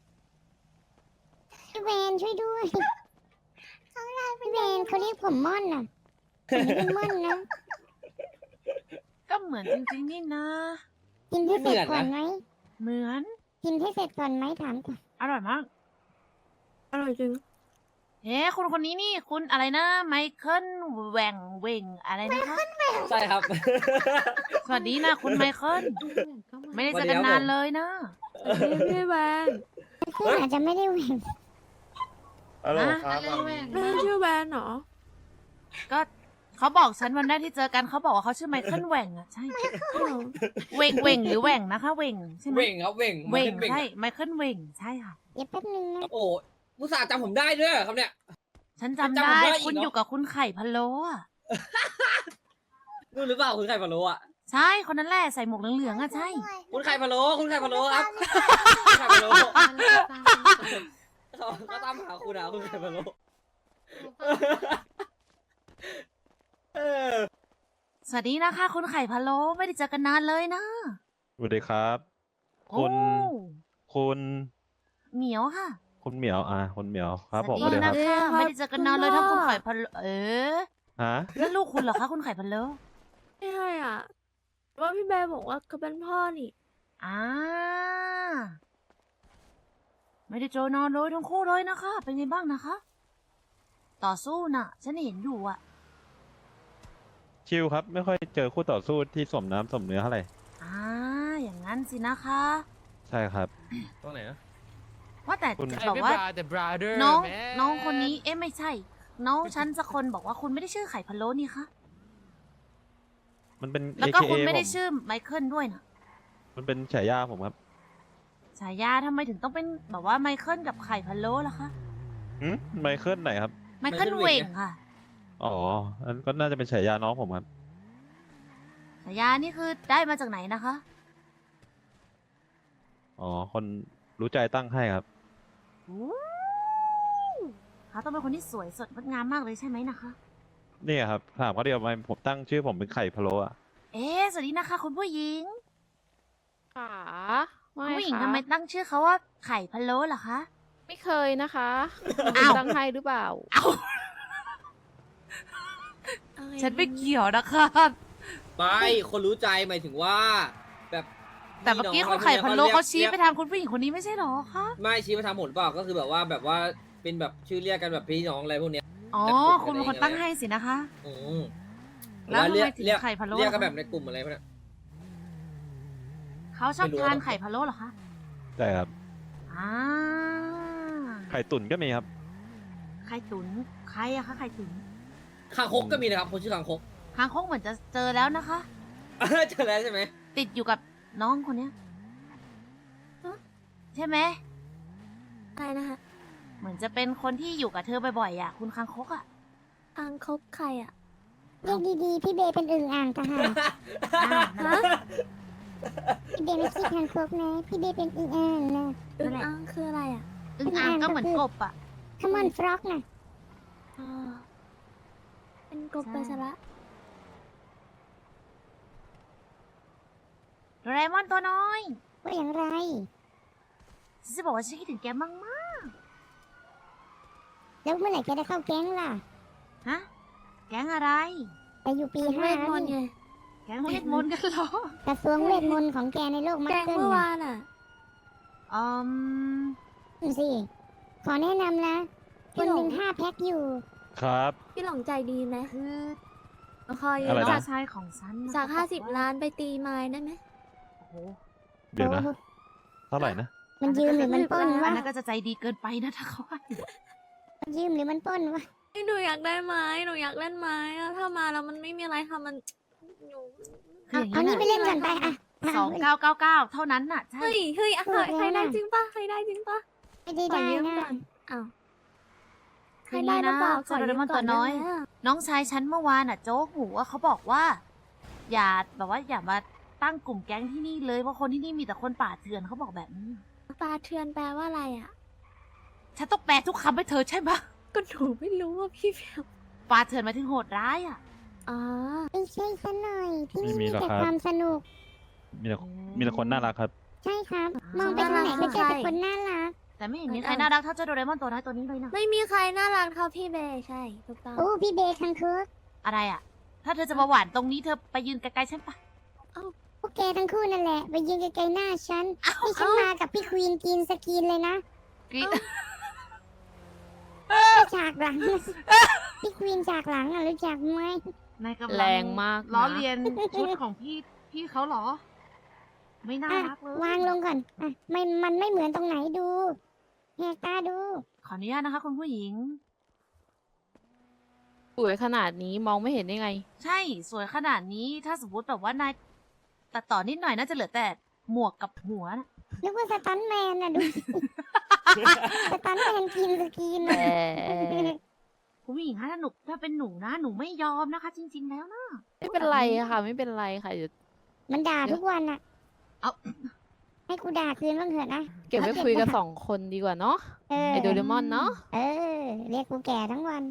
[SPEAKER 1] พี่เวนช่วยด้วยเขาไล่พี่เวนเขาเรียกผมม่อนน่ะผมไม่ได้ม่อนนะ
[SPEAKER 3] ก็เหมือนจริงๆนี่นะ
[SPEAKER 1] กินให้เสร็จก่อนไหม
[SPEAKER 3] เหมือน
[SPEAKER 1] กินให้เสร็จก่อนไหมถามก่อน
[SPEAKER 3] อร่อยมาก
[SPEAKER 8] อร่อยจริง
[SPEAKER 3] เฮ้คุณคนนี้นี่คุณอะไรนะไมเคิลแหว่งเวงอะไรนะคะ
[SPEAKER 5] ใช่ครับ
[SPEAKER 3] สวัสดีนะคุณไมเคิลไม่ได้เจอกันนานเลยนะ
[SPEAKER 8] พี่พี่แวน
[SPEAKER 1] เพื่อนอาจจะไม่ได้แหว่ง
[SPEAKER 2] อะไร
[SPEAKER 3] นะ
[SPEAKER 2] ครับ
[SPEAKER 9] อะไรแหว่ง
[SPEAKER 8] ไม่ใช่ชื่อแวนเหรอ
[SPEAKER 3] ก็เขาบอกฉันวันแรกที่เจอกันเขาบอกว่าเขาชื่อไมเคิลแหว่งอ่ะใช่เวงเวงหรือแหว่งนะคะเวงใช่ไหม
[SPEAKER 5] เว่งครับเว่ง
[SPEAKER 3] เวง
[SPEAKER 5] เว่ง
[SPEAKER 3] ใช่ไมเคิลเวงใช่ค่ะ
[SPEAKER 1] เดี๋ยวแป๊บนึงนะ
[SPEAKER 5] โอ้มุสาห์จำผมได้ด้วยเหรอครับเนี่ย
[SPEAKER 3] ฉันจำ
[SPEAKER 5] จำผม
[SPEAKER 3] ได้
[SPEAKER 5] ได้อีก
[SPEAKER 3] คุณ
[SPEAKER 5] เหรอ
[SPEAKER 3] อยู่กับคุณไข่พะโล้อะ
[SPEAKER 5] นู่นหรือเปล่าคุณไข่พะโล้อะ
[SPEAKER 3] ใช่คนนั้นแหละใส่หมวกเหลืองๆอ่ะใช่
[SPEAKER 5] คุณไข่พะโล้คุณไข่พะโล้ครับคุณไข่พะโล้เขาเขาตามหาคุณอะคุณไข่พะโล้เออ
[SPEAKER 3] สวัสดีนะคะ คุณไข่พะโล้ไม่ได้เจอกันนานเลยนะ
[SPEAKER 2] สวัสดีครับ
[SPEAKER 3] โอ้
[SPEAKER 2] คุณ คุณ
[SPEAKER 3] เหมียวค่ะ
[SPEAKER 2] คุณเหมียวอ่ะคุณเหมียวครับผม
[SPEAKER 3] ส
[SPEAKER 2] ส
[SPEAKER 3] วั
[SPEAKER 2] วั
[SPEAKER 3] ส
[SPEAKER 2] ส
[SPEAKER 3] ดี
[SPEAKER 2] ดีค
[SPEAKER 3] นะ
[SPEAKER 2] รับ
[SPEAKER 3] คะ
[SPEAKER 8] ครับ
[SPEAKER 3] ไม่ได้เจอกันนานเลย
[SPEAKER 8] คุณ
[SPEAKER 3] ทั้งคุณ
[SPEAKER 8] พ่อ
[SPEAKER 3] ไข่พะโล้เออ
[SPEAKER 2] ฮะ
[SPEAKER 3] แล้วลูกคุณเหรอคะคุณไข่พะโล้
[SPEAKER 8] ไม่ใช่อ่ะ ว่าพี่แบร์บอกว่าเขาเป็นพ่อนี่
[SPEAKER 3] อ่าไม่ได้เจอนานเลยทั้งคู่เลยนะคะ เป็นไงบ้างนะคะ ต่อสู้น่ะ ฉันเห็นอยู่อ่ะ
[SPEAKER 2] ชิลครับ ไม่ค่อยเจอคู่ต่อสู้ที่สมน้ำสมเนื้อเท่าไหร่
[SPEAKER 3] อ่าอย่างนั้นสินะคะ
[SPEAKER 2] ใช่ครับ
[SPEAKER 5] ตรงไหนนะ
[SPEAKER 3] ว่าแต่
[SPEAKER 2] คุณ
[SPEAKER 3] บอกว่า
[SPEAKER 5] แต่ brother
[SPEAKER 3] น้องน้องคนนี้เอ๊ะไม่ใช่ น้องฉันสักคนบอกว่าคุณไม่ได้ชื่อไข่พะโล้นี่คะ
[SPEAKER 2] มันเป็น
[SPEAKER 3] แล้วก็
[SPEAKER 2] เอ เค
[SPEAKER 3] คุณ
[SPEAKER 2] เอ
[SPEAKER 3] ไม่ได้
[SPEAKER 2] ผม
[SPEAKER 3] ชื่อไมเคิลด้วยนะ
[SPEAKER 2] มันเป็นฉายาผมครับ
[SPEAKER 3] ฉายาทำไมถึงต้องเป็นแบบว่าไมเคิลกับไข่พะโล้ล่ะคะ
[SPEAKER 2] หืมไมเคิลไหนครับ
[SPEAKER 3] ไมเคิล
[SPEAKER 5] ไมเคิล
[SPEAKER 3] เว
[SPEAKER 5] เว
[SPEAKER 3] ง
[SPEAKER 5] ง
[SPEAKER 3] ค่ะ
[SPEAKER 2] อ๋อ อันก็น่าจะเป็นฉายาน้องผมครับ
[SPEAKER 3] ฉายานี่คือได้มาจากไหนนะคะ
[SPEAKER 2] อ๋อ คนรู้ใจตั้งให้ครับ
[SPEAKER 3] โอ้เขาต้องเป็นคนที่สวยสดงดงามมากเลยใช่ไหมนะคะ
[SPEAKER 2] นี่ครับถามเขาเดียวไหมผมตั้งชื่อผมเป็นไข่พะโล้อะ
[SPEAKER 3] เอ๊ะสวัสดีนะคะคุณผู้หญิง
[SPEAKER 4] ค่ะ
[SPEAKER 3] คุ
[SPEAKER 4] ไม่
[SPEAKER 3] ณผู้หญิง
[SPEAKER 4] ค่ะ
[SPEAKER 3] ทำไมตั้งชื่อเขาว่าไข่พะโล้เหรอคะ
[SPEAKER 4] ไม่เคยนะคะ
[SPEAKER 3] อ้าว
[SPEAKER 4] ตั้งให้หรือเปล่า
[SPEAKER 3] เอ้า
[SPEAKER 8] อะไร
[SPEAKER 3] ฉันไม่เกี่ยวนะคะ
[SPEAKER 5] ไม่คนรู้ใจหมายถึงว่า แบบ
[SPEAKER 3] แต่เมื่อกี้
[SPEAKER 5] พี่
[SPEAKER 3] คุ
[SPEAKER 5] น้
[SPEAKER 3] ณ
[SPEAKER 5] ง
[SPEAKER 3] ไข่พะโล้
[SPEAKER 5] รียก
[SPEAKER 3] เขาชี้
[SPEAKER 5] รียก
[SPEAKER 3] ไปทางคุณผู้หญิงคนนี้ไม่ใช่เหรอคะ
[SPEAKER 5] ไม่ชี้มาทางผมเปล่าก็คือแบบว่าแบบว่าเป็นแบบชื่อเรียกกันแบบพี่น้องอะไรพวกเนี้ย
[SPEAKER 3] อ๋อ
[SPEAKER 5] แต่ผม
[SPEAKER 3] คุณเป็นคน
[SPEAKER 5] อะไร
[SPEAKER 3] ตั้งให้สินะคะ
[SPEAKER 5] อืม
[SPEAKER 3] แล้วทำไม
[SPEAKER 5] เรียก
[SPEAKER 3] ถึง
[SPEAKER 5] เรียก
[SPEAKER 3] ไข่พะโล้
[SPEAKER 5] เรียกกัน
[SPEAKER 3] ล่ะคะ
[SPEAKER 5] แบบในกลุ่มอะไรพวกเนี้ย
[SPEAKER 3] เขาชอบ
[SPEAKER 5] ไม่รู้
[SPEAKER 3] ทาน
[SPEAKER 5] อะ
[SPEAKER 3] ไข่พะโล้เหรอคะ
[SPEAKER 2] ใช่ครับ
[SPEAKER 3] อ่า
[SPEAKER 2] ไข่ตุ๋นก็มีครับ
[SPEAKER 3] ไข่ตุ๋นใครอะคะไข่ตุ๋น
[SPEAKER 5] คางคกก็มีนะครับคนชื่อคางคก
[SPEAKER 3] คางคกเหมือนจะเจอแล้วนะคะ
[SPEAKER 5] เจอแล้วใช่ไหม
[SPEAKER 3] ติดอยู่กับน้องคนเนี้ยใช่ไหม
[SPEAKER 8] อะไรนะคะ
[SPEAKER 3] เหมือนจะเป็นคนที่อยู่กับเธอบ่อยๆอ่ะ คุณคางคกอ่ะ
[SPEAKER 8] อังคบใครอ่ะ
[SPEAKER 1] เรียกดีๆ พี่เบย์เป็นอึ่งอ่างทหาร
[SPEAKER 3] อ่านั่นแหละ
[SPEAKER 1] พี่เบย์ไม่คิดทางครบนะ พี่เบย์เป็นอึ่งอ่างนะ
[SPEAKER 8] อึ
[SPEAKER 3] นั่
[SPEAKER 8] ง
[SPEAKER 3] นแหละ
[SPEAKER 8] อังคืออะไรอ่ะ
[SPEAKER 3] อึ่งอ่างก็เหมือนกบอ่ะ
[SPEAKER 1] ขมอนฟรอกนะ
[SPEAKER 8] อ๋อ เป็นกบ
[SPEAKER 3] ใช่
[SPEAKER 8] ไปซะละ
[SPEAKER 3] โดราเอมอนตัวน้อย
[SPEAKER 1] ว่าอย่างไร
[SPEAKER 3] ฉันจะบอกว่าฉันคิดถึงแกมาก
[SPEAKER 1] แล้วเมื่อไหร่แกจะเข้าแก๊งล่ะ
[SPEAKER 3] ๆฮะ แก๊งอะไร
[SPEAKER 1] ไปอยู่ปี
[SPEAKER 8] เว
[SPEAKER 1] ห้า
[SPEAKER 8] ท
[SPEAKER 1] แล้ว
[SPEAKER 8] มนต์ไง
[SPEAKER 1] นี่
[SPEAKER 3] แก๊งเวทมนต์กันเหรอ
[SPEAKER 1] กระทรวงเวทมนต์ของแกในโลกมั
[SPEAKER 8] แก
[SPEAKER 1] ก
[SPEAKER 8] ง
[SPEAKER 1] เกิล
[SPEAKER 8] เมื่อ
[SPEAKER 1] นะ
[SPEAKER 8] วานอ่ะ
[SPEAKER 3] อืม
[SPEAKER 1] ดูสิ ขอแนะนำนะ
[SPEAKER 8] พี่
[SPEAKER 1] คนหนึ่ง
[SPEAKER 8] หลง
[SPEAKER 1] ห้าแพ็คอยู่
[SPEAKER 2] ครับ
[SPEAKER 8] พี่หลงใจดีไหม
[SPEAKER 3] คือ
[SPEAKER 8] คอย
[SPEAKER 2] อะไร
[SPEAKER 3] น้อง
[SPEAKER 2] นะ
[SPEAKER 3] ชายของฉันนะ
[SPEAKER 8] จาก
[SPEAKER 3] เข
[SPEAKER 8] ห้า
[SPEAKER 3] บ
[SPEAKER 8] สิบ
[SPEAKER 3] อกว่
[SPEAKER 8] ล้านไปตีไม้ได้ไหม
[SPEAKER 3] โอ้โห
[SPEAKER 2] เดี๋ยวนะ
[SPEAKER 1] โอ้
[SPEAKER 2] เท่าไหร่นะ
[SPEAKER 1] มันยืมหรือมันปล้น
[SPEAKER 3] อั
[SPEAKER 1] วะ
[SPEAKER 3] นนั้นก็จะใจดีเกินไปนะถ้าเขาให้
[SPEAKER 1] มันยืมหรือมันปล้นวะ
[SPEAKER 8] หนูอยากได้ไม้ หนูอยากเล่นไม้อะถ้ามาแล้วมันไม่มีอะไรทำมันหนู
[SPEAKER 3] คืออย่าง
[SPEAKER 1] เอานี่ไปเล่นก่อนไปอ่ะะ
[SPEAKER 3] สองเก้าเก้าเก้าเท่านั้นน่ะ ใช่
[SPEAKER 8] เฮ้ย เฮ้ยอะ
[SPEAKER 1] พูดแล้ว
[SPEAKER 8] ใครได้
[SPEAKER 1] น่ะ
[SPEAKER 8] จริงปะใครได้จริงปะ
[SPEAKER 1] ไม่ได้
[SPEAKER 8] ขอ
[SPEAKER 1] ได้
[SPEAKER 8] ยืม
[SPEAKER 1] นะ
[SPEAKER 8] ก่อนอ้าวใค
[SPEAKER 3] คื
[SPEAKER 8] ร
[SPEAKER 3] อ
[SPEAKER 8] ได้
[SPEAKER 3] นี้
[SPEAKER 8] หรือ
[SPEAKER 3] นะ
[SPEAKER 8] เปล่าข
[SPEAKER 3] เจ้า
[SPEAKER 8] อ
[SPEAKER 3] โด
[SPEAKER 8] ยื
[SPEAKER 3] เร
[SPEAKER 8] ม
[SPEAKER 3] มอน
[SPEAKER 8] ก่
[SPEAKER 3] ตั
[SPEAKER 8] อ
[SPEAKER 3] วน น้อย
[SPEAKER 8] ได้ไหมอะ
[SPEAKER 3] น้องชายฉันเมื่อวานอ่ะโจ๊กหูว่าเขาบอกว่า อย่าแบบว่าอย่ามาตั้งกลุ่มแก๊งที่นี่เลยเพราะคนที่นี่มีแต่คนป่าเถื่อนเขาบอกแบบนี้
[SPEAKER 8] ปลาเทือนแปลว่าอะไรอ่ะ
[SPEAKER 3] ฉันต้องแปลทุกคำให้เธอใช่ไหม
[SPEAKER 8] ก็หนูไม่รู้ว่าพี่เบล
[SPEAKER 3] ป่าเถื่อนหมายถึงโหดร้ายอ่ะ
[SPEAKER 8] อ๋อ
[SPEAKER 1] ไม่ใช่ซะหน่อย ที่
[SPEAKER 2] ไม่
[SPEAKER 1] นี่
[SPEAKER 2] มี
[SPEAKER 1] มี
[SPEAKER 2] หรอก
[SPEAKER 1] แต่
[SPEAKER 2] ครับ
[SPEAKER 1] ความสนุก
[SPEAKER 2] มีแต่มีแต่คนน่ารักครับ
[SPEAKER 1] ใช่ครับ มองไปทางไหนก็เจอแต่คนน่ารัก
[SPEAKER 3] แต่ไม่เห็นมีใครน่ารักเท่าเจ้าโดเรมอนตัวน้อยตัวนี้เลยนะ
[SPEAKER 8] ไม่มีใครน่ารักเท่าพี่เบย์ใช่ถูกต้อง
[SPEAKER 1] โอ้ พี่เบย์คังคึก
[SPEAKER 3] อะไรอ่ะ ถ้าเธอจะมาหวานตรงนี้เธอไปยืนไกลๆฉันปะ
[SPEAKER 1] พวกแกทั้งคู่นั่นแหละ ไปยืนไกลๆหน้าฉันนี่ฉันมากับพี่ควีนกินสกินเลยนะ
[SPEAKER 3] กรี๊ด
[SPEAKER 1] ฉากหลัง พี่ควีนฉากหลังอ่ะรู้จักไหม
[SPEAKER 3] นายกำลัง
[SPEAKER 4] แรงมากนะ
[SPEAKER 3] ล้อเลียนชุดของพี่พี่เขาเหรอ ไม่น่า
[SPEAKER 1] อ่ะ
[SPEAKER 3] รักเลยว
[SPEAKER 1] างลงก่อนอ่ะไม่มันไม่เหมือนตรงไหนดูแหกตาดู
[SPEAKER 3] ขออนุญาตนะคะคุณผู้หญิง
[SPEAKER 4] สวยขนาดนี้มองไม่เห็นได้ไง
[SPEAKER 3] ใช่สวยขนาดนี้ถ้าสมมติแบบว่านายตัดต่อนิดหน่อยน่าจะเหลือแต่หมวกกับหัวนะ
[SPEAKER 1] นึกว่าสตันแมนอ่ะดู สิ สตันแมนกินสกิน
[SPEAKER 4] แต่
[SPEAKER 3] คุณผู้หญิงคะถ้าหนูถ้าเป็นหนูนะหนูไม่ยอมนะคะ จริง ๆ แล้วนะ
[SPEAKER 4] ไม่เป็นไรอะค่ะ ไม่เป็นไรค่ะเดี๋ยว
[SPEAKER 1] มันด่าทุกวันอ่ะ
[SPEAKER 3] เอา
[SPEAKER 1] ให้กูด่าคืนบ้างเถอะนะ
[SPEAKER 4] เก็บไว้คุยกันสองคนดีกว่าเนาะ
[SPEAKER 1] เออ
[SPEAKER 4] ไอโดเรมอนเนาะ
[SPEAKER 1] เออ เรียกกูแก่ทั้งวัน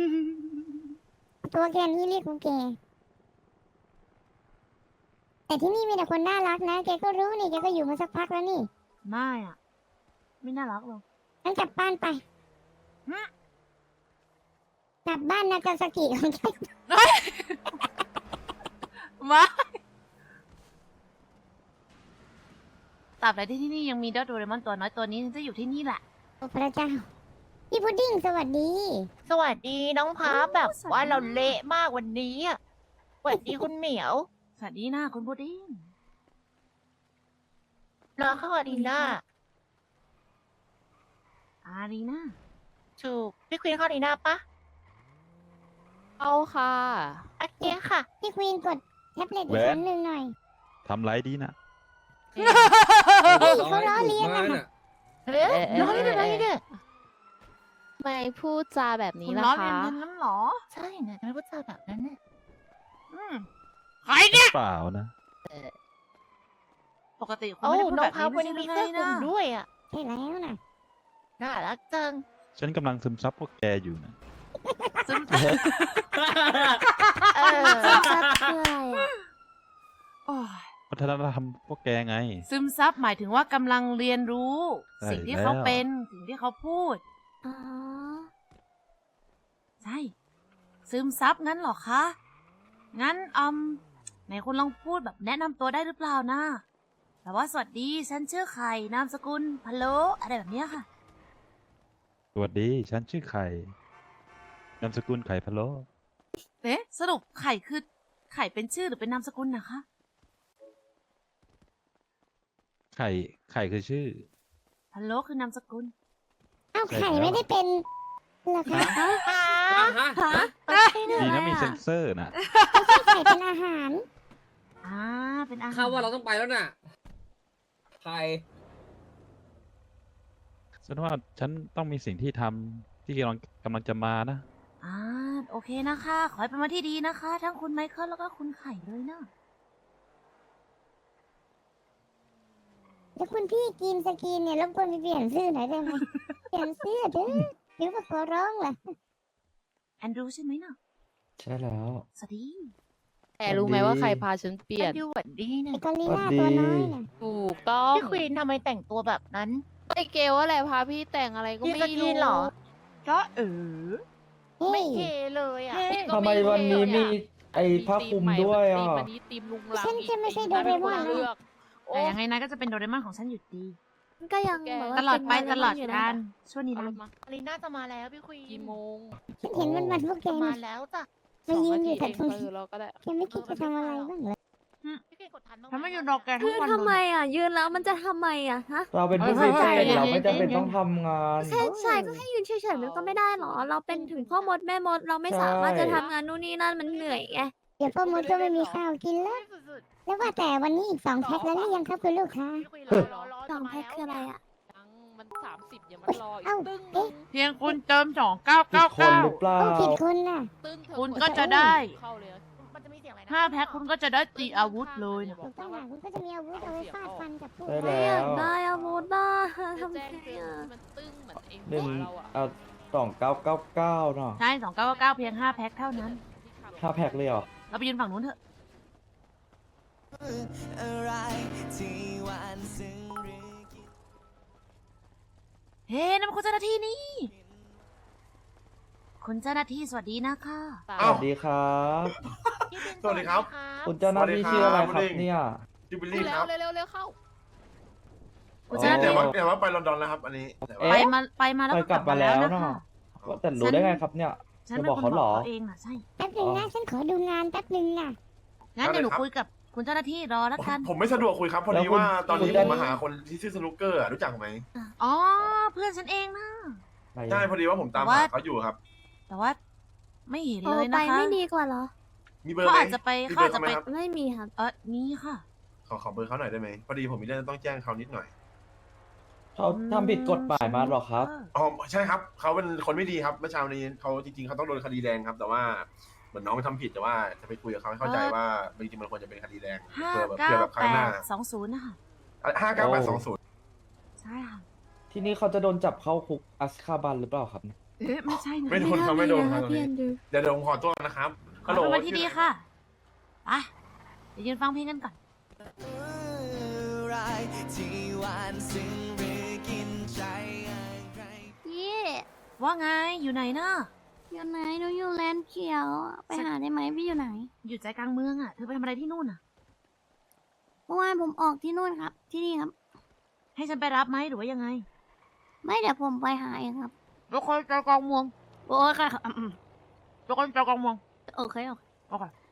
[SPEAKER 1] ตัวแค่นี้เรียกกูแก่ แต่ที่นี่มีแต่คนน่ารักนะ แกก็รู้นี่ แกก็อยู่มาสักพักแล้วนี่
[SPEAKER 3] ไม่อะไม่น่ารักหรอก
[SPEAKER 1] งั้นกลับบ้านไป
[SPEAKER 3] ฮะ
[SPEAKER 1] กลับบ้านนากาซากิของแก
[SPEAKER 3] มาตราบใดที่ที่นี่ยังมีเจ้าโดเรมอนตัวน้อยตัวนี้ฉันจะอยู่ที่นี่แหละ
[SPEAKER 1] โอ้พระเจ้า พี่พุดดิ้งสวัสดี
[SPEAKER 11] สวัสดีน้องพา
[SPEAKER 3] โอ้
[SPEAKER 11] แบบ
[SPEAKER 3] สวัสดี
[SPEAKER 11] ว่าเราเละมากวันนี้อะสวัสดีคุณเหมียว
[SPEAKER 3] สวัสดีนะคุณพุดดิ้ง
[SPEAKER 11] น้องเข้าอารีนา
[SPEAKER 3] อารีนา
[SPEAKER 11] ถูกพี่ควีนเข้าอารีนาปะ
[SPEAKER 4] เอาค่ะ
[SPEAKER 11] โอเคค่ะ
[SPEAKER 1] พี่ควีนกดแท็บเล็ตอี
[SPEAKER 2] แหว
[SPEAKER 1] ก
[SPEAKER 2] น
[SPEAKER 1] ครั้งหนึ่งหน่อย
[SPEAKER 2] ทำไรดีนะ
[SPEAKER 1] เขาล้อเลียน
[SPEAKER 5] มา
[SPEAKER 1] อะ
[SPEAKER 5] น่ะ
[SPEAKER 11] เฮ้ย
[SPEAKER 4] เอ๊ะเอ๊ะ
[SPEAKER 11] น้องเล่นอะไรเนี่ย
[SPEAKER 4] ทำไมพูดจาแบบนี้
[SPEAKER 3] คุณ
[SPEAKER 4] ล่ะ
[SPEAKER 3] ล้อเลีย
[SPEAKER 4] คะ
[SPEAKER 3] นฉันนั้นเหรอ
[SPEAKER 11] ใช่นะทำไมพูดจาแบบนั้นเนี่ย
[SPEAKER 3] อืมใครเนี่ย
[SPEAKER 2] เปล่านะ
[SPEAKER 3] ปปกติคุณ
[SPEAKER 11] โอ้
[SPEAKER 3] ไม่ได้พูด
[SPEAKER 11] น้อ
[SPEAKER 3] แบ
[SPEAKER 11] ง
[SPEAKER 3] บ
[SPEAKER 11] พั
[SPEAKER 3] นี้
[SPEAKER 11] บ
[SPEAKER 3] ไม่
[SPEAKER 11] วัน
[SPEAKER 3] ใช่
[SPEAKER 11] นี้
[SPEAKER 3] หรือไง
[SPEAKER 11] มีเสื้อคลุ
[SPEAKER 3] นะ
[SPEAKER 11] มด้วยอ่ะ
[SPEAKER 1] ใช่แล้วนะ
[SPEAKER 11] น่ารักจัง
[SPEAKER 2] ฉันกำลังซึมซับพวกแกอยู่นะ
[SPEAKER 3] ซึ่ง
[SPEAKER 11] เออ
[SPEAKER 1] ซับคืออะไรอ่ะ
[SPEAKER 3] โอ้ย
[SPEAKER 2] วัฒนธรรมพวกแกไง
[SPEAKER 3] ซึมซับหมายถึงว่ากำลังเรียนรู้
[SPEAKER 2] ใช่
[SPEAKER 3] สิ่งที่เขา
[SPEAKER 2] แล้ว
[SPEAKER 3] เป็นสิ่งที่เขาพูด
[SPEAKER 1] อ๋อ
[SPEAKER 3] ใช่ ซึมซับงั้นเหรอคะ งั้นอืมไหนคุณลองพูดแบบแนะนำตัวได้หรือเปล่านะแบบว่าสวัสดีฉันชื่อไข่นามสกุลพะโล้อะไรแบบเนี้ยค่ะ
[SPEAKER 2] สวัสดีฉันชื่อไข่นามสกุลไข่พะโล้
[SPEAKER 3] เอ๊ะสรุปไข่คือไข่เป็นชื่อหรือเป็นนามสกุลนะคะ
[SPEAKER 2] ไข่ไข่คือชื่อ
[SPEAKER 3] พะโล้คือนามสกุล
[SPEAKER 1] เอ้า
[SPEAKER 2] ใช่
[SPEAKER 1] ไข่
[SPEAKER 2] แล้ว
[SPEAKER 1] ไม่ได้เป็นเหรอคะ
[SPEAKER 2] ดีนะมีเซ็นเซอร์นะ
[SPEAKER 1] ไข่เป็นอาหาร
[SPEAKER 3] อ่า เป็นอาหาร
[SPEAKER 5] ข้าว่าเราต้องไปแล้วน่ะใคร
[SPEAKER 2] ฉันว่าฉันต้องมีสิ่งที่ทำที่กำลังกำลังจะมานะ
[SPEAKER 3] อ่า โอเคนะคะ ขอให้เป็นวันที่ดีนะคะ ทั้งคุณไมเคิลแล้วก็คุณไข่เลยนะ
[SPEAKER 1] แล้วคุณพี่กินสกินเนี่ยรบกวนไปเปลี่ยนเสื้อหน่อยได้ไหม เปลี่ยนเสื้อเด้อหรือว่าขอร้องล่ะ
[SPEAKER 3] แอนดรูใช่ไหมนะ
[SPEAKER 12] ใช่แล้ว
[SPEAKER 3] สวัสดี
[SPEAKER 4] แต่รู้ไหมว่าใครพาฉันเปลี่ยน
[SPEAKER 11] ดูหวัดดี
[SPEAKER 1] ไอ้
[SPEAKER 11] นะ
[SPEAKER 1] กอริลลา
[SPEAKER 12] สวัสดี
[SPEAKER 1] ตัวน้อยน่ะ
[SPEAKER 4] ถูกต้อง
[SPEAKER 11] พี่ควีนทำไมแต่งตัวแบบนั้น
[SPEAKER 4] ไอเกลว่าแหละพาพี่แต่งอะไรก็
[SPEAKER 11] พี่
[SPEAKER 4] ไม่
[SPEAKER 11] สกิ
[SPEAKER 4] รู้
[SPEAKER 11] นเหรอ
[SPEAKER 3] ก็เออ
[SPEAKER 1] เฮ้
[SPEAKER 11] ไม่
[SPEAKER 1] ย
[SPEAKER 11] เทเลยอ่ะ
[SPEAKER 3] เฮ้
[SPEAKER 4] พี่ก็
[SPEAKER 12] ทำไมวันนี้มีไอ้ผ้าคลุมด้วยอ่ะ
[SPEAKER 4] วันนี้ตีมลุงลัง
[SPEAKER 1] ฉันจะไม่ใช่โดเรมอน
[SPEAKER 4] เลือกโอ้
[SPEAKER 3] แต่ยังไงนะก็จะเป็นโดเรมอนของฉันอยู่ดี
[SPEAKER 1] ก็ยัง
[SPEAKER 4] แก
[SPEAKER 1] แบบว่า
[SPEAKER 3] ตลอดไป
[SPEAKER 1] เป็น
[SPEAKER 3] ตลอด
[SPEAKER 1] โเรมนยู่นะ
[SPEAKER 3] การช่วงนี้
[SPEAKER 4] เอา
[SPEAKER 3] นะ
[SPEAKER 4] รถมา
[SPEAKER 11] อารีน่าจะมาแล้วพี่ควีน
[SPEAKER 4] กี่โมง
[SPEAKER 1] ฉันเห็นมันมันพวกแก
[SPEAKER 11] จะ
[SPEAKER 1] มา
[SPEAKER 11] มาแล้วจ้ะ
[SPEAKER 1] มายืนอยู่
[SPEAKER 4] ส
[SPEAKER 1] แต่
[SPEAKER 4] ง
[SPEAKER 1] ตรง
[SPEAKER 4] นาที
[SPEAKER 1] นี้
[SPEAKER 4] เองเออเราก็ได้
[SPEAKER 1] แกไม่คิดจะทำอะไรบ้างเหรอ
[SPEAKER 11] พี่ควีนกดทันบ้างไหม
[SPEAKER 3] ฉันไม่ยืนรอแกทั้
[SPEAKER 1] คื
[SPEAKER 3] ง
[SPEAKER 1] อ
[SPEAKER 3] วัน
[SPEAKER 1] ทำไม
[SPEAKER 3] เลย
[SPEAKER 1] อ่ะ ยืนแล้วมันจะทำไมอ่ะฮะ
[SPEAKER 12] เราเป็นผู้
[SPEAKER 3] เฮ้
[SPEAKER 12] พิ
[SPEAKER 3] ย
[SPEAKER 12] เศษ
[SPEAKER 3] เฮ้ย
[SPEAKER 12] เราไม่
[SPEAKER 3] เฮ้ย
[SPEAKER 12] จำเป็น
[SPEAKER 3] เฮ้ย
[SPEAKER 12] ต้องทำงาน
[SPEAKER 1] ใช่ใช่ก็ให้ยืนเฉยๆมันก็ไม่ได้หรอ เราเป็นถึงพ่อมดแม่มดเราไม่สามารถจะทำงานนู่นนี่นั่นมันเหนื่อยไงเดี๋ยวพ่อมดก็ไม่มีข้าวกินแล้ว
[SPEAKER 11] สุด
[SPEAKER 1] แล้วว่าแต่วันนี้อีกสองแพ็คแล้วหรือยังครับคุณลูกค้า
[SPEAKER 11] ๆพี่ควีนรอรอรอ
[SPEAKER 1] สองแพ็คคืออะไรอ่ะ
[SPEAKER 4] ยังมันสามสิบอย่ามันรออีก
[SPEAKER 1] เอ้า
[SPEAKER 4] ตึ้ง
[SPEAKER 1] เอ๊ะ
[SPEAKER 3] เพียงคุณเติมสองเก้า
[SPEAKER 12] ผิ
[SPEAKER 3] เก้า
[SPEAKER 12] ดคน
[SPEAKER 3] เก้า
[SPEAKER 12] หรือเปล่า
[SPEAKER 1] โอ้ผิดคนน่ะ
[SPEAKER 4] ตึ้งเธอ
[SPEAKER 3] คุณก็จะได้
[SPEAKER 4] เข้าเลยอะ
[SPEAKER 11] มันจะมีเสียงอะไรนะ
[SPEAKER 3] ห้าแพ็คคุณก็จะได้ตีอาวุธเลยนะ
[SPEAKER 1] ถูกต้องค่ะคุณก็จะมีอาวุธเอาไว้ฟาดฟันกับพวก
[SPEAKER 12] ได้แล้ว
[SPEAKER 1] ได้อาวุธบ้า
[SPEAKER 4] จะ
[SPEAKER 1] ทำไง
[SPEAKER 4] แจ้งเตือน
[SPEAKER 1] อ่ะ
[SPEAKER 4] ที่มันตึ้งเหมือนเอง
[SPEAKER 12] หนึ่ง
[SPEAKER 4] เราอะ
[SPEAKER 12] เอาสองเก้าเก้าเก้าเนาะ
[SPEAKER 3] ใช่สองเก้าเก้าเพียงห้าแพ็คเท่านั้น
[SPEAKER 12] ห้าแพ็คเลยเหรอ
[SPEAKER 3] เราไปยืนฝั่งนู้นเถอะ
[SPEAKER 6] อะไรที่หวานซึ้งหรือกิน
[SPEAKER 3] เฮ้นั่นมันคุณเจ้าหน้าที่นี่ คุณเจ้าหน้าที่สวัสดีนะคะ
[SPEAKER 12] สวัสดีครับ
[SPEAKER 11] พี่บิน
[SPEAKER 5] สวัสดีครับ
[SPEAKER 12] คุณเจ้าหน้าที่ชื่ออะไรครับเนี่ย
[SPEAKER 5] จิบิล
[SPEAKER 4] เร็
[SPEAKER 5] ลี่คว รับ
[SPEAKER 4] เร็วเร็วเร็วเข้า
[SPEAKER 3] คุณเจ้าหน้า
[SPEAKER 5] แต่
[SPEAKER 3] ที่
[SPEAKER 5] ว่าแต่ว่าไปลอนดอนแล้วครับ อันนี้แต่ว่า
[SPEAKER 3] ไปมาไปมาแล้ว
[SPEAKER 12] ไป
[SPEAKER 3] ก็
[SPEAKER 12] กลับมาแล้วเนาะ
[SPEAKER 3] นะคะ
[SPEAKER 12] ว่าแต่รู้ได้ไงครับเนี่ย
[SPEAKER 3] ฉัน
[SPEAKER 12] จะ
[SPEAKER 3] เป็น
[SPEAKER 12] บอก
[SPEAKER 3] คน
[SPEAKER 12] เขา
[SPEAKER 3] บ
[SPEAKER 12] เหร
[SPEAKER 3] อก
[SPEAKER 12] อ
[SPEAKER 3] เขาเองน่ะใช่
[SPEAKER 1] แป๊บหนึงนะฉันขอดูงานแป๊บหนึงน่ะ
[SPEAKER 3] งั้นเดี๋ยวหนู
[SPEAKER 5] ได้เลยครับ
[SPEAKER 3] คุยกับคุณเจ้าหน้าที่รอแล้วกัน
[SPEAKER 5] ผมไม่สะดวกคุยครับ พอ
[SPEAKER 12] แล้ว
[SPEAKER 5] ดี
[SPEAKER 12] คุณ
[SPEAKER 5] ว่าตอนนี้
[SPEAKER 12] คุณ
[SPEAKER 5] ผ
[SPEAKER 12] ได้
[SPEAKER 5] มมาหาคนที่ชื่อสนุกเกอร์อะรู้จักไหม
[SPEAKER 3] อ๋อ เพื่อนฉันเองนะ
[SPEAKER 12] ไหน
[SPEAKER 5] ใช่พอดีว่าผมตาม
[SPEAKER 3] แต่ว่า
[SPEAKER 5] หาเขาอยู่ครับ
[SPEAKER 3] แต่ว่าไม่เห็น
[SPEAKER 1] โทร
[SPEAKER 3] เลย
[SPEAKER 1] ไป
[SPEAKER 3] นะคะ
[SPEAKER 1] ไม่ดีกว่าเหรอ
[SPEAKER 5] มีเบอร์
[SPEAKER 3] เขา
[SPEAKER 5] ไหม
[SPEAKER 3] อาจจะไป
[SPEAKER 5] มี
[SPEAKER 3] เขา
[SPEAKER 5] เบอ
[SPEAKER 3] อาจ
[SPEAKER 5] ร์
[SPEAKER 3] จะ
[SPEAKER 5] เขาไหม
[SPEAKER 3] ไป
[SPEAKER 5] ครับ
[SPEAKER 1] ไม่มีครับ
[SPEAKER 3] เออนี่ค่ะ
[SPEAKER 5] ขอขอเบอร์เขาหน่อยได้ไหมพอดีผมมีเรื่องต้องแจ้งเขานิดหน่อย
[SPEAKER 12] เขาทำผิดกฎหมายมาเหรอครับ
[SPEAKER 5] อ๋อใช่ครับเขาเป็นคนไม่ดีครับเมื่อเช้านี้เขาจริงๆเขาต้องโดนคดีแดงครับ แต่ว่าเหมือนน้องทำผิดแต่ว่าจะไปคุยกับเขาให้เข้าใจ
[SPEAKER 3] เออ
[SPEAKER 5] ว่าจริงๆมันควรจะเป็นคดีแดง
[SPEAKER 3] ห้า
[SPEAKER 5] เพื่อแบบ
[SPEAKER 3] เก้า
[SPEAKER 5] เพื่อแบบค
[SPEAKER 3] แป
[SPEAKER 5] รั้งหน้า
[SPEAKER 3] ดสองศูนย์นะคะ
[SPEAKER 5] ห้าเก้าแปดสองศูนย์
[SPEAKER 3] ใช่ค่ะ
[SPEAKER 12] ที่นี่เขาจะโดนจับเข้าคุกอัสคาบันหรือเปล่าครับ
[SPEAKER 3] เอ๊ะไม่ใช่นะ
[SPEAKER 5] ไม่โดนเขาไม่โดนครับตรง
[SPEAKER 1] พี่
[SPEAKER 5] นี้
[SPEAKER 1] แอนดรู
[SPEAKER 5] เดี๋ยวเดี๋ยวผมขอตัวนะครับ
[SPEAKER 3] ขอเป็นวันที่ดีค่ะไปเดี๋ยวยืนฟังเพลงกันก่อน
[SPEAKER 6] อะไรที่หวานซึ้งหรือกินใจอะไร
[SPEAKER 1] พี่
[SPEAKER 3] ว่าไงอยู่ไหนนะ
[SPEAKER 1] อยู่ไหนหนูอยู่แลนด์เขียว ไปหาได้ไหมพี่อยู่ไหน
[SPEAKER 3] อยู่ใจกลางเมืองอ่ะเธอไปทำอะไรที่นู่นอ่ะ
[SPEAKER 1] เมื่อวานผมออกที่นู่นครับ ที่นี่ครับ
[SPEAKER 3] ให้ฉันไปรับไหมหรือว่ายังไง
[SPEAKER 1] ไม่เดี๋ยวผมไปหาเองครับ
[SPEAKER 3] ทุกคนใจกลางเมือง
[SPEAKER 1] โอ้ยค่ะอืม
[SPEAKER 3] ทุกคนใจกลางเมือง
[SPEAKER 1] โอเคโอเค
[SPEAKER 3] โอเค